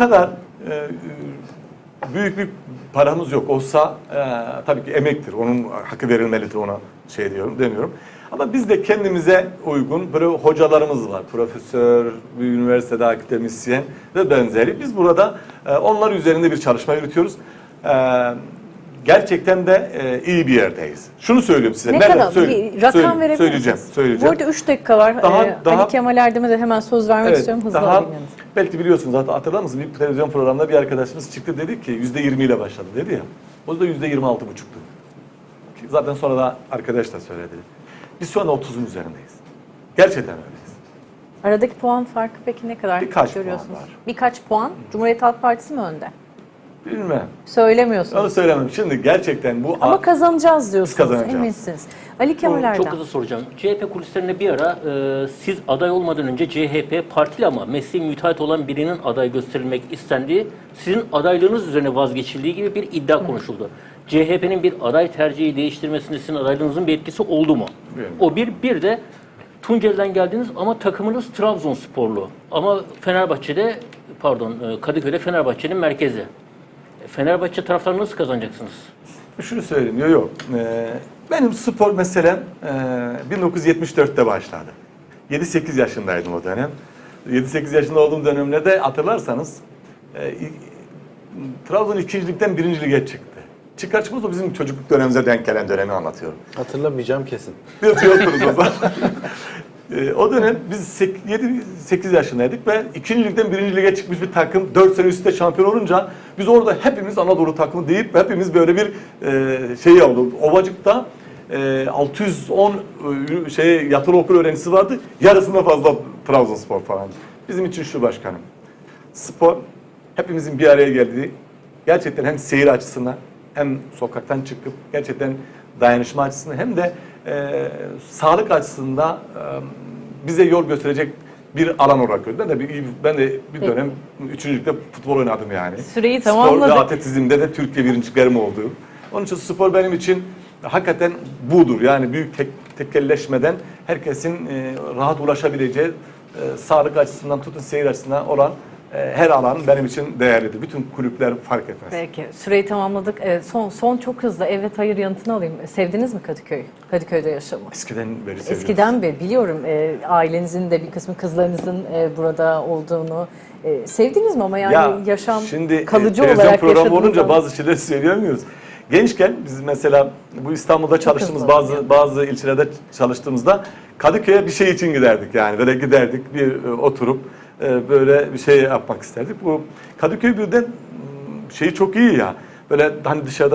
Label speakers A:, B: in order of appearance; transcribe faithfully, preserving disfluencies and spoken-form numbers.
A: kadar e, büyük bir paramız yok. Olsa e, tabii ki emektir. Onun hakkı verilmelidir, ona şey diyorum demiyorum. Ama biz de kendimize uygun böyle hocalarımız var. Profesör, bir üniversitede akademisyen ve benzeri. Biz burada e, onlar üzerinde bir çalışma yürütüyoruz. E, gerçekten de e, iyi bir yerdeyiz. Şunu söyleyeyim size.
B: Ne
A: Nerede?
B: kadar?
A: Söyle,
B: Bir rakam
A: söyle,
B: verebilir
A: söyleyeceğim,
B: misiniz?
A: söyleyeceğim.
B: Bu arada üç dakika var.
A: Daha-
B: Ee,
A: daha-
B: Ali Kemal Erdem'e de hemen söz vermek
A: Evet,
B: istiyorum. Hızlı
A: daha,
B: alayım yanınıza.
A: belki biliyorsunuz, zaten hatırlar mısınız? Bir televizyon programında bir arkadaşımız çıktı, dedi ki yüzde yirmi ile başladı dedi ya. O da yüzde yirmi altı buçuktu. Zaten sonra da arkadaş da söyledi. Biz şu anda otuzun üzerindeyiz. Gerçekten öyleyiz.
B: Aradaki puan farkı peki ne kadar
A: Birkaç puan
B: görüyorsunuz?
A: var.
B: Birkaç puan. Cumhuriyet Halk Partisi mi önde?
A: Bilmem.
B: Söylemiyorsunuz.
A: Onu söylemem. Şimdi gerçekten bu...
B: Ama kazanacağız diyorsunuz.
A: kazanacağız.
B: Eminsiniz. Ali Kemal Erdem.
C: Çok hızlı soracağım. C H P kulislerinde bir ara e, siz aday olmadan önce C H P partili ama mesleği müteahhit olan birinin aday gösterilmek istendiği, sizin adaylığınız üzerine vazgeçildiği gibi bir iddia konuşuldu. C H P'nin bir aday tercihi değiştirmesinde sizin adaylığınızın bir etkisi oldu mu?
A: Bilmiyorum.
C: O bir. Bir de Tunceli'den geldiniz ama takımınız Trabzonsporlu. Ama Fenerbahçe'de, pardon Kadıköy'de Fenerbahçe'nin merkezi. Fenerbahçe taraftarını nasıl kazanacaksınız?
A: Şunu söyleyeyim. Yok yok. Ee, benim spor meselem e, bin dokuz yüz yetmiş dörtte başladı. yedi sekiz yaşındaydım o dönem. yedi sekiz yaşında olduğum dönemlerde hatırlarsanız e, Trabzon ikinci ligden birinci lige çıktı. Çıkar çıkmaz o bizim çocukluk dönemimize denk gelen dönemi anlatıyorum.
D: Hatırlamayacağım kesin.
A: Yok yoktunuz o zaman. E, o dönem biz yedi sekiz yaşındaydık ve ikinci ligden birinci lige çıkmış bir takım dört sene üstte şampiyon olunca biz orada hepimiz Anadolu takımı deyip hepimiz böyle bir e, şey oldu. Ovacık'ta e, altı yüz on e, şey yatılı okul öğrencisi vardı. Yarısından fazla Trabzonspor falan. Bizim için şu başkanım. Spor hepimizin bir araya geldiği, gerçekten hem seyir açısından hem sokaktan çıkıp gerçekten dayanışma açısından hem de e, sağlık açısından e, bize yol gösterecek bir alan olarak gördüm. Ben de bir, ben de bir dönem üçüncülükte futbol oynadım yani.
B: Süreyi
A: Spor
B: tamamladık.
A: ve atletizmde de Türkiye birinciliklerim oldu. Onun için spor benim için hakikaten budur. Yani büyük tek, tekelleşmeden herkesin e, rahat ulaşabileceği e, sağlık açısından tutun seyir açısından olan e, her alan benim için değerlidir. Bütün kulüpler fark etmez.
B: Peki. Süreyi tamamladık. Ee, son son çok hızlı evet hayır yanıtını alayım. Sevdiniz mi Kadıköy'ü? Kadıköy'de yaşamı?
A: Eskiden beri seviyoruz.
B: Eskiden beri biliyorum e, ailenizin de bir kısmı kızlarınızın e, burada olduğunu e, sevdiniz mi ama yani
A: Ya,
B: yaşam
A: şimdi,
B: kalıcı
A: e, televizyon
B: olarak
A: programı
B: yaşadığınız
A: olunca
B: zaman-
A: bazı şeyler söyleyemiyoruz. Gençken biz mesela bu İstanbul'da çalıştığımız
B: hızlı
A: bazı
B: yani.
A: bazı ilçelerde çalıştığımızda Kadıköy'e bir şey için giderdik yani. Böyle giderdik bir e, oturup e, böyle bir şey yapmak isterdik. Bu Kadıköy birden m, şeyi çok iyi ya. Böyle hani dışarıda